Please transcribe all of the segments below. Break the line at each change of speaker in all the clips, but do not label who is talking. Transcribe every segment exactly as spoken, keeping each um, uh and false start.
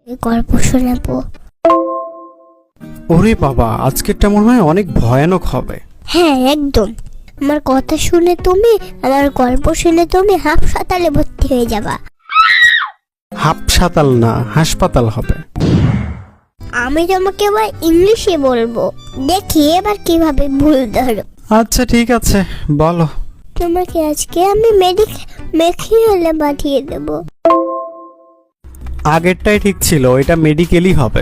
গল্প শোনাবো।
ওরে বাবা, আজকেরটা মনে হয় অনেক ভয়ানক হবে।
হ্যাঁ একদম। আমার কথা শুনে তুমি, আমার গল্প শুনে তুমি হাসপাতালে ভর্তি হয়ে যাবা।
হাসপাতাল না, হাসপাতাল হবে।
আমি তোমাকে এবার ইংলিশে বলবো, দেখি এবার কিভাবে ভুল ধরো।
আচ্ছা ঠিক আছে, বলো।
তোমাকে আজকে আমি মেডিক মেডিকেলে পাঠিয়ে দেব।
আগেরটাই ঠিক ছিল, এটা মেডিকেলই হবে।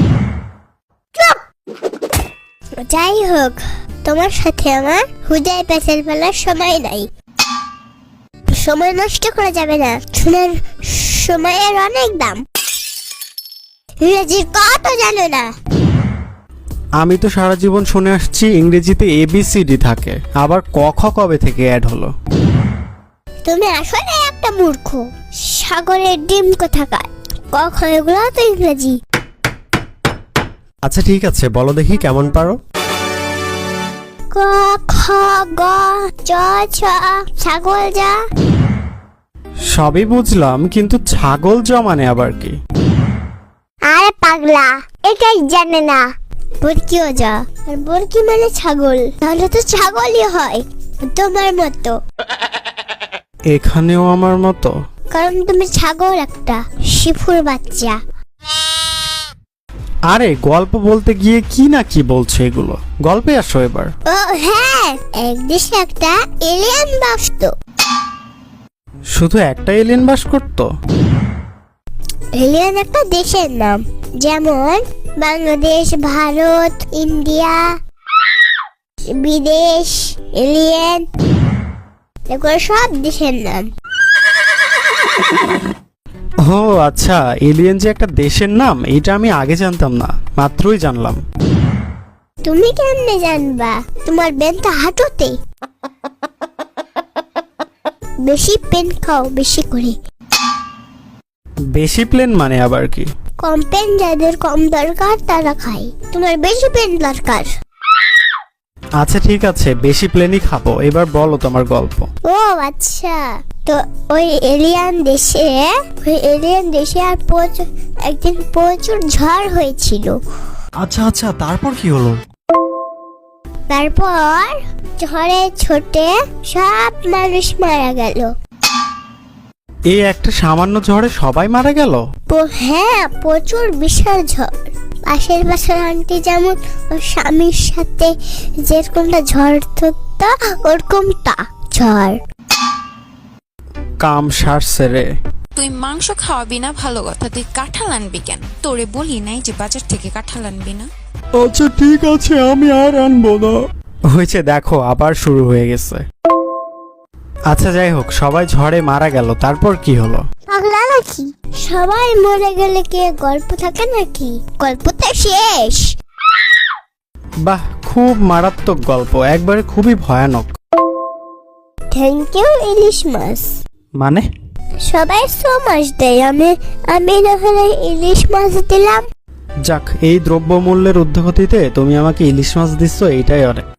যাই হোক, তোমার সাথে আমার হুদায় পেঁচাল ফেলার সময় নাই। সময় নষ্ট করা যাবে না, শোনার সময়ের অনেক দাম। ইংরেজির কত জানো না?
আমি তো সারা জীবন শুনে আসছি ইংরেজিতে এবিসিডি থাকে, আবার ক খ কবে থেকে অ্যাড হলো?
তুমি আসলে একটা মূর্খ। সাগরের ডিম কোথাকার, কখন এগুলো তো ইংরেজি।
আচ্ছা ঠিক আছে, বলো দেখি কেমন পারো।
ক খ গ চ ছ ছাগল যা।
সবই বুঝলাম, কিন্তু ছাগল জমানে আবার কি?
আরে পাগলা, এটাই জানে না। বরকিও যা, আর বরকি মানে ছাগল, তাহলে তো ছাগলই হয় তোমার মতো।
এখানেও আমার মতো?
কারণ তুমি ছাগল একটা শিফুর বাচ্চা।
আরে গল্প বলতে গিয়ে কি না কি বলছে এগুলো, গল্পে আসো এবার।
ও হ্যাঁ, এক দেশে একটা এলিয়েন বাসতো।
শুধু একটা এলিয়েন বাস করতো?
এলিয়েন একটা দেশের নাম, যেমন বাংলাদেশ, ভারত, ইন্ডিয়া, বিদেশ, এলিয়েন, এগুলো সব দেশের নাম।
ও আচ্ছা, এলিয়েন যে একটা দেশের নাম এটা আমি আগে জানতাম না, মাত্রই জানলাম।
তুমি কেমনে জানবা? তোমার বেন তো হাঁটুতে। বেশি পেন খাও, বেশি করে।
বেশি প্লেন মানে আবার কি?
কম পেন যাদের কম দরকার তারা খায়, তোমার বেশি পেন দরকার।
আচ্ছা ঠিক আছে, বেশি প্লেনই খাবো। এবার বলো তোমার গল্প।
ও আচ্ছা, তো ওই এলিয়ান দেশে ওই এলিয়ান দেশে আর প্রচুর একদিন প্রচুর ঝড় হয়েছিল।
আচ্ছা আচ্ছা, তারপর কি হলো?
তারপর ঝড়ে ছোটে সব মানুষ মারা গেল।
এই একটা সামান্য ঝড়ে সবাই মারা গেল?
প- হ্যাঁ, প্রচুর বিশাল ঝড়। পাশের পাশের আন্টি যেমন ওর স্বামীর সাথে যেরকমটা ঝড় ধরতো ওরকমটা ঝড়।
কাম সারছে রে।
তুই মাংস খাওয়াবি না ভালো কথা, তুই কাঁঠাল আনবি কেন? তোরে বলি নাই যে বাজার থেকে কাঁঠাল আনবি না?
আচ্ছা ঠিক আছে, আমি আর আনবো না। হয়েছে, দেখো আবার শুরু হয়ে গেছে। আচ্ছা যাই হোক, সবাই ঝড়ে মারা গেল, তারপর কি হলো?
পাগলা নাকি? সবাই মরে গেলে কি গল্প থাকে নাকি? গল্পটা শেষ।
বাহ, খুব মারাত্মক গল্প, একবারে খুবই ভয়ানক।
থ্যাংক ইউ ইলিশ মাছ।
মানে?
সবাই সো মাছ দেয়, আমি আমি না হলে ইলিশ মাছ দিলাম।
যাক, এই দ্রব্যমূল্যের ঊর্ধ্বগতিতে তুমি আমাকে ইলিশ মাছ দিচ্ছ, এইটাই অনেক।